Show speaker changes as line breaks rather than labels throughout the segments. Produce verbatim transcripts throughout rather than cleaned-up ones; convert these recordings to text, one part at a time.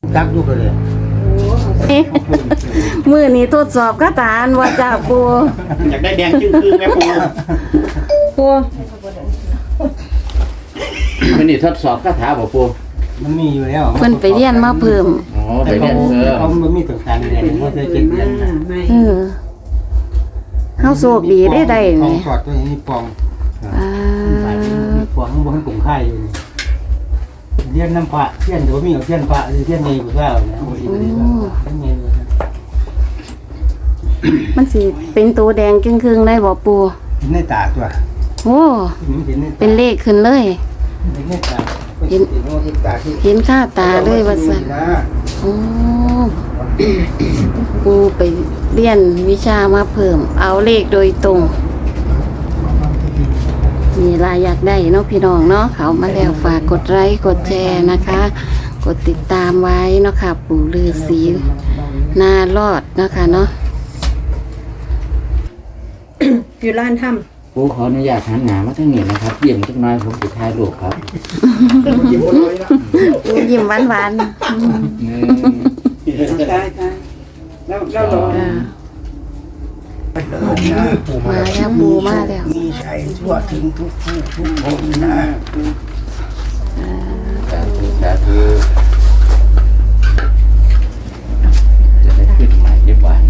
จักอยู่กันเลย
มือนี้ทดสอบคาถาอันว่าจ้าปู
อยากได้แดงจึ้งครึ่งแม่ปู
ปู
มันนี่ทดสอบคาถาบ่ปู
มันมีอยู่แล้ว
เพิ่นไปเรียนมาเพิ่ม
อ๋อไป
แต่
เรียนเพิ่ม
เขาไม่มีต้องการอะไรเขาจะเก็บเงิน
เออเฮาโชคดีได้ได้
ปอง
นี่
สอดตัวนี้ปอง
อ่า
ปองบนกลุ่มค่ายอยู่เรียนน้ำพระเทียนเดี๋ยวมีเอาเทียนพระเทียนเนยกูเล่าเนี่ยโอ้ยเทียนเนย
มันสิเป็นตัวแดงครึ่งๆได้บ่ปู
เห็นในตาตัว
โอ้
เห็นใน
เป็นเลขขึ้นเลย
เห็นในตาเห็นในตาที่
เห็นค่าตาเลยว่าซั่นโอ้ปูไปเรียนวิชามาเพิ่ม เอาเลขโดยตรงมีรายอยากได้เนาะพี่น้องเนาะเขามาแล้วฝากกดไลค์กดแชร์นะคะ กดติดตามไว้เนาะค่ะปู่ฤาษีนารอดเนาะค่ะเนาะ
อยู่ร้านท
ปูขออนุญาตหันหน้ามาทางนี้นะครับเยี่ยมจักหน่อยผมสิถ่ายรูปครับ
ปู่ยิ้มหวาน
หนึ่ง
ำตายตายแล้วแล้วรอ
ๆอ่ามาแล้วปู่มาแล้ว
มีชัยทั่วถึงทุกผู้ทุกคนนะ
สาธุสาธุจะได้ขึ้นใหม่เรียบร้อยนะ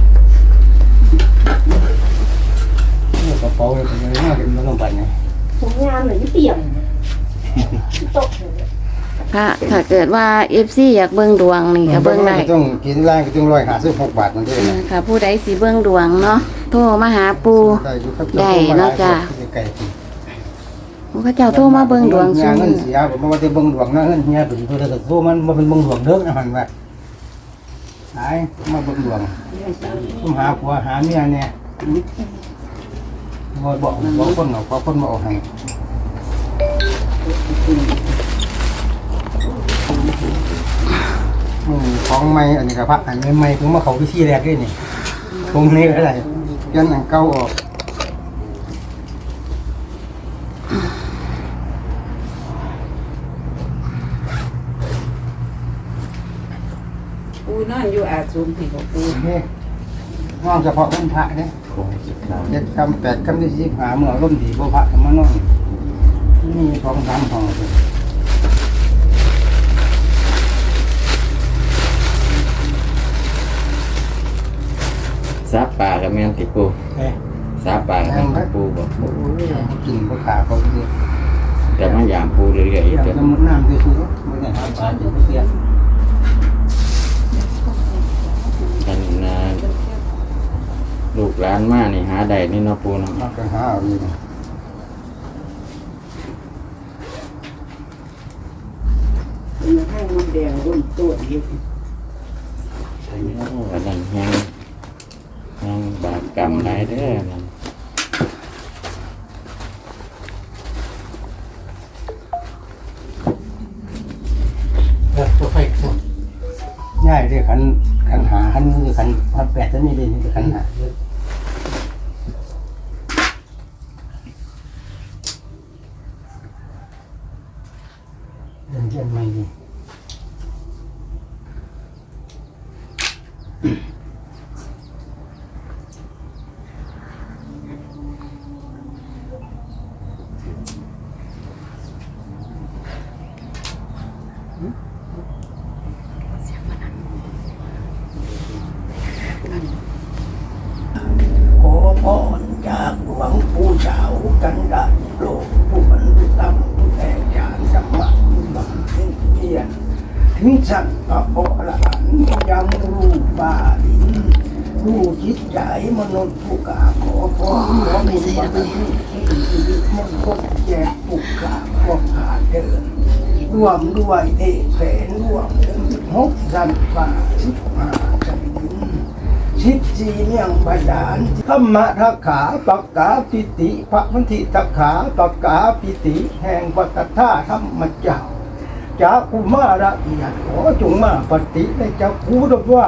กระเป๋าเลยเป็นยังไงกันมันต้องไปไง
ผมงานหรือเปี่ยมตก
ถ้าถ้าเกิดว่า เอฟ ซี อยากเบิ่งดวงนี่ก็เบิ่งได้
ต้องกินแรงก็ต้องร้อยห้าสิบหกบาทมันด้วย
อ่า
นะ
ค่ะผู้ใดสิเบิ่งดวงเนาะโทรมาหาปู่
ได้อยู่ครับ
ได้เนาะจ้ะ
ไก่
พระเจ้าโทรมาเบิ่งดวง
เงิ
ซุ
น
มื้อ
เสียผมว่าจะเบิ่งดวงนะเงินเฮียเป็นตัวแต่ตัวมันมันเป็นเบิ่งดวงเด้อนะมันว่าหายมาเบิ่งดวงผมหาผัวหาเมียเนี่ยบ่บอกบอกคนเอาขอคนมาเอาให้อืมของใหม่อันนี้ก็พระอันใหม่ๆเพิ่งมาเข้าพิธีแรกด้วยนี่ตรงนี้ก็ได้ยันอันเก่าออก
ปูนอนอยู่อาซูมที่ของปู
นี่นอนเฉพาะวันพระเนี่ย
โค้งสุดท้าย
เจ็ดคำแปดคำที่สิบหาเมื่อร่มดีบ่พระธรรมนอนนี่สองสามห้องเลย
ซาปลากับแม่นติปู
เอ๊ะ
ซาปลากับแม่นติปูบ่
โอ้ยกินบ่ขาเขาเสีย
แต่มันยามปูเรื่อยๆอีก
อยาก
เด้อ
จะมุดน้ำด้วยซื้อไม่ได้หาปลาจะเสีย
อันน่ะลูกหลานมานี่หาได้นี่เนาะปูเนาะ
มากันหาเอาอยู่
ให้มันแดงรุ่นตัวอีก
โอ้อันนั้นยังยังบาปกรรมหลายเด้อนั่น
ตัวไฟง่ายเลยขันขันหาขันนี่ขันพันแปดตัวนี้เลยนี่ขันหาเดินเยี่ยมไม่ดีขอพรจากหลวงปู่เฉากันดาโลกผู้บรรลุธรรมผู้แตกฉานธรรมะผู้บังเพ็ญเพียรถึงสัตว์พระอรหันต์ยังรู้ฟ้าดินรู้จิตใจมนุษย์ผู้กาขอพรหลวงปู่บรรลุชีวิตมงคลแจกผู้กาพวกขาเดินร่วมด้วยเทแสนร่วมถึงหกสันฟ้าสิบห้าสันดิน ชิดสีเมียงบาดาลธรรมะทักขาปักกาปิติพระพันธิทักขาปักกาปิติแห่งปัตตาธรรมเจ้าจากอุมาระเอียดขอจงมาปฏิในเจ้าคูดว่า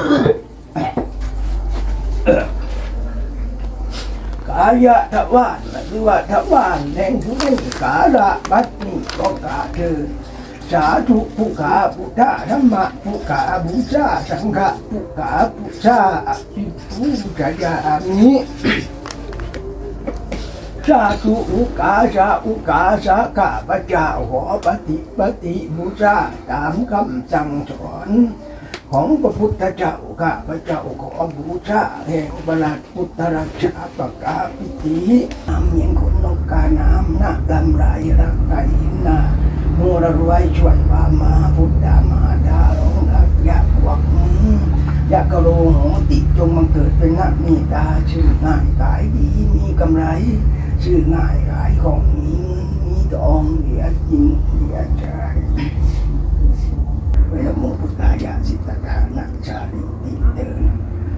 กายะทวารในหรือว่าถ้าบ้านแห่งผู้ได้กาละบัดนี้ก็กาเถิดสาธุผู้ขาพุทธะธรรมะผู้ขาบูชาสังฆะผู้ขาบูชาอภิปูชยามิสาธุอุกาสาอุกาสาข้าพเจ้าขอปฏิปฏิบูชาตามคำสั่งสอนของพระพุทธเจ้าข้าพเจ้าขอบูชาแห่งประหลัดพุทธรักษาปกาปิติน้ำเมียนขนนกกาน้ำนาลำไรรักไก่นาโมระรวยช่วยพามาพุทธามาดาลงรักยะวักยะกะโลโหติจงบังเกิดเป็นนักมีตาชื่อง่ายขายดีมีกำไรชื่อง่ายขายของมีเงินมีทองเหลือจริงเหลือใจเวลาโมพุทธายาสิทธานักชาลิติเดิน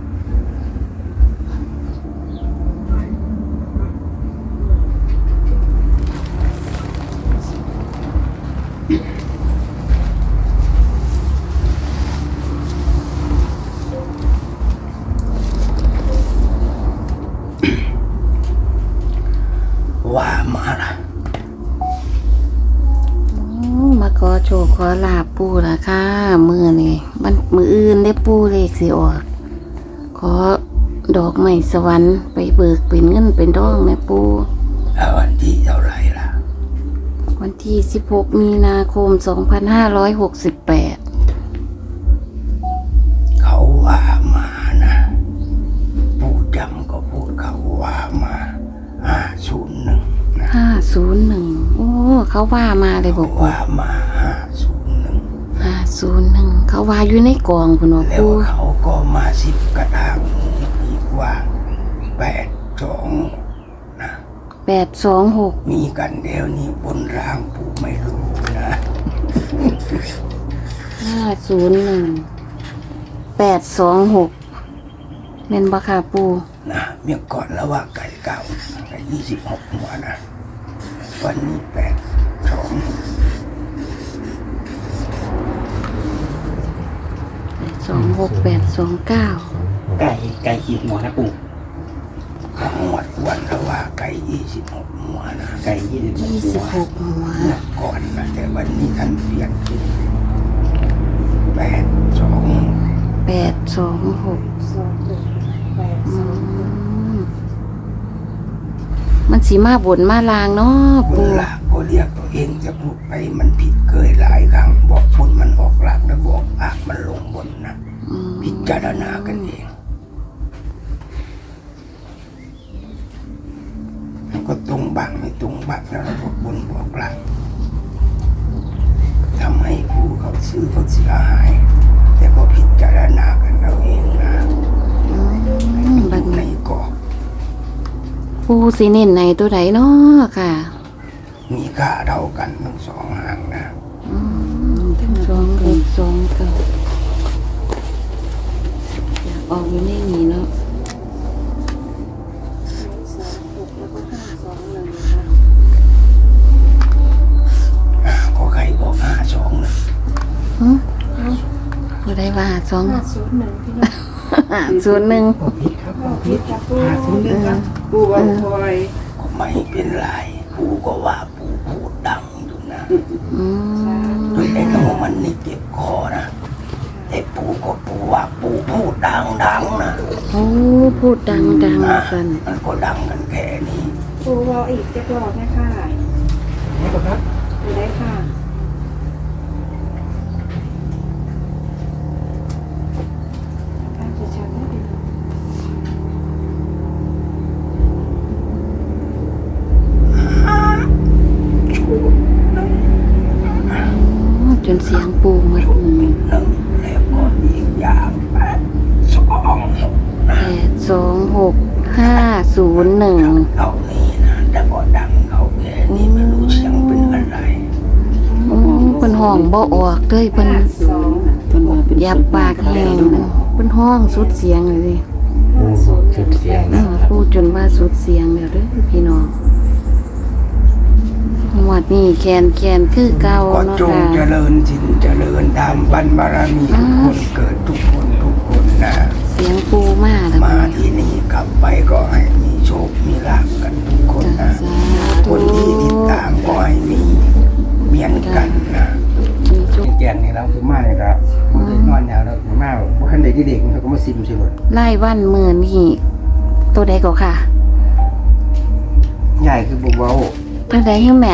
ว่ามาละ
มาขอโชคขอลาบปูละค่ะมือนี่มันมืออื่นได้ปูเลขสิออกขอดอกไม้สวรรค์ไปเบิกเป็นเงินเป็นทองแม่ปู
แล้ววันที่เท่าไหร่ล่ะ
วันที่สิบหกมีนาคมสองพันห้าร้อยหกสิบแปด
เขาว่ามานะผู้จำก็พูดเขาว่ามาห้าศูนย์หนึ่งนะ
ห้าศูนย์หนึ่งโอ้เขาว่ามาเลยบอก
ว่ามาห้าศูนย์หนึ่ง
ห้าศูนย์หนึ่งเขาว่าอยู่ในกองคุณหมอ
แล้ว
ปู
เขาก็มาสิบกระทางอีกว่าแปดสองนะ
แปดสองหก
มีกันเดี๋ยวนี้บนร่างผู้ไม่รู้นะ
ห้าศูนย์หนึ่งแปดสองหกเมนบาคาปู
นะเมื่อก่อนแล้วว่าไก่เก่าไก่ยี่สิบหกหัวนะวันนี้แปดสอง
สองหกแปดสองเก้า
ไก่ไก่ขีดหัวนะปู่
ของหมดวันแล้วว่าไก่ยี่สิบหกหัวนะ
ไก่ยี่สิบ
ยี่สิบหกหัว
เมื่อก่อนนะแต่วันนี้ท่านเปลี่ยนเป็นแปดสอง
แปดสองหก
สองหกแปดสอง
มันสีมาบนมาลางเนาะ
บุ
ปู
ญหลักก็เรียกตัวเองจะพูดไปมันผิดเคยหลายครั้งบอกบนมันออกหลักแล้วบอกอากมันลงบนนะ
อืม
พิจารณากันเองมันก็ตรงบังไม่ตรงบังแล้วเราบอกบนบอกหลักทำให้ผู้เขาซื้อเขาเสียหาย แต่ก็พิจารณากันเอาเองนะ
อืมบัด
ใน
นี้
กรอบ
ปูสีเน้นในตัวไหนเนาะค่ะ
มีค่าเท่ากันทั้งสองหางนะ
อืมสองหกสองเก้าอยากออกอยู่ในนี้เนาะ
สองหกแล้วก็ห้าสองหนึ่งค่ะ
อ่าก็ใครบอกห้าสองนะ
หึผู้ใดว่าสอง
ห้าศูนย์หนึ่งพี่น้อง
ศูนย์หนึ่ง
บอกผิดครับบอกผิ
พิ
ด
จารณาศูนย์หนึ่งครับปูบอลคอย
ก็ไม่เป็นไรปูก็ว่าปูพูดดังอยู่นะ
อืม
จนไอ้น้องมันนี่เจ็บคอนะไอ้ปูก็ปูว่าปูพูดดังดังๆนะ
โอ้พูดดังดัง
อ่ะ
กัน
มันก็ดังกันแค่นี้
ปูวออีกจะรอดนะคะนี่ปะครับดูได้ค่ะอาจจะชัดนิดนึง
ชุดหนึ่ง
โอ้จนเสียงปูมา
ชุดหนึ่งแล้วก็อีกอย่างแปดสองหก
แปดสองหกห้าศูนย์หนึ่ง
เท่านี้นะแต่ก็ดังเขาแค่นี้ไม่รู้เสียงเป็นอะไร
โอ้เพิ่นห้องบ่ออกเลยเพิ่น
สอง
มันว่าเป็นยับปากแห้งเป็นห้องสุดเสียงเลยสิ
ห้าศูนย์
สุดเสียง
เอ
นะ
อพูดจนว่าสุดเสียงแล้วเด้อพี่น้องหมวดนี้แคนแคนคือเก่า
ก็
เนาะ
จง
ค่ะ
เจริญสินเจริญตามบรรบารมีทุกคนเกิดทุกคนทุกคนนะ
เสียงปูมาแล้ว
มาที่นี่กลับไปก็ให้มีโชค มีลาภกันทุกคนนะคนที่ติดตามก็ให้มีเหมือนกันนะ
มีจุก
แกนนี่เราคือมาเนี่ยครับมันเลยนอนยาวแล้วคือมาเพราะท่านใดที่เด็กเขาก็มาซิมสิหมด
ไล่วันมือนี่ตัวใดก็ค่ะ
ใหญ่คือบุบเบา
ตัวใดให้แม่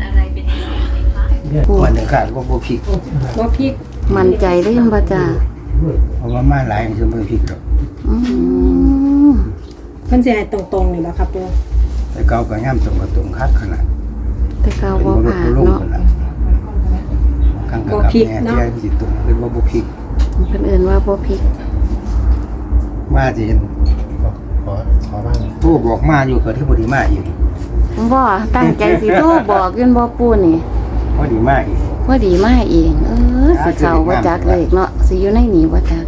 วันหนึ่งขาดว่าบุพิก
บ่พริก
มั่นใจเล่นบ่จ้า
เพราะว่ามาหลายมันคือบุพิกหรอก
อืม
มันสิให้ตรงๆนี่บ่ครับปู
แต่เก่าก็ย่ำตรงกับตรงคักขนาด
แต่เก่า
เป็น
บ่
มนุษ
ผ่า
ย์
น
ลุ่ม
เนาะ
ขนาดข้างกับแม่ที่ให้จิตตรงเป็นว่าบุพิก
เพิ่นเอิ้นว่าบ่พริก
มาจะเห็น
ขอขอบ้าง
ผู้บอกมาอยู่กับที่บดีมาอยู่
บ่ตั้งใจสิโทรบอกยืนบ่ปูนี่
พอดีมาอีก
พอดีมาเอง เออสิเข้าบ่จักเลขเนาะสิอยู่ในนี้บ่จัก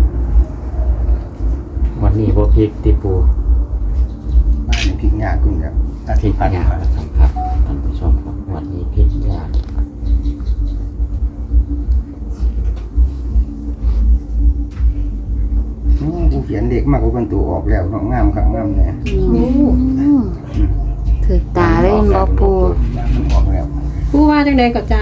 วันนี้บ่พริกติปู
มาในพิกยากคุณครับอา
พริ
ทิต
ก
ย์ผ่าน
ยาก
มา
นะครับครับท่านผู้ชมครับวันนี้พริกยาก
อืมกูเขียนเด็กมากกว่าคนตัวออกแล้วน้องงามครับงามเนี่ย
อืมถึกตาเล่นบ่ปู
มันออกแล้ว
ปูว่าจังได๋ก็จ้า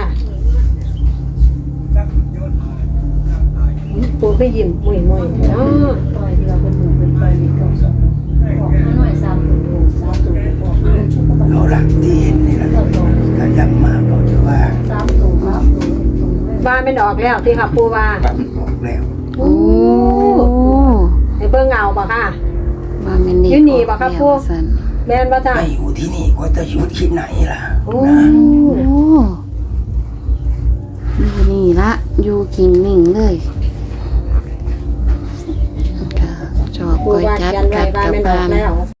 ปูก็ยิ้มมุ้ยๆเนาะ
เอาหลักที่เห็นนี่แหละก็ย้ำมาบอกจะว่า
ว่ามันออกแล้วที่ครับปูว่า
ครับออกแล้ว
โอ้
ให้เบิ่งเอาบ่ค่ะ
ว่าแม่นเด็ก
อยู่นี่บ่ครับปู่
ซั่น
แม่นบ่จ้า
ไม่อยู่ที่นี่ก็จะอยู่ที่ไหนล่ะ
โอ้
นะ
โอ้อยู่นี่ละอยู่กินนิ่งเลยค่ะชอบ
ปู
ก้อย
ว่า
จัด
เขียนไว้
กัด
ว่า
กับ
มันออ
บ้าก น
แล้วว่า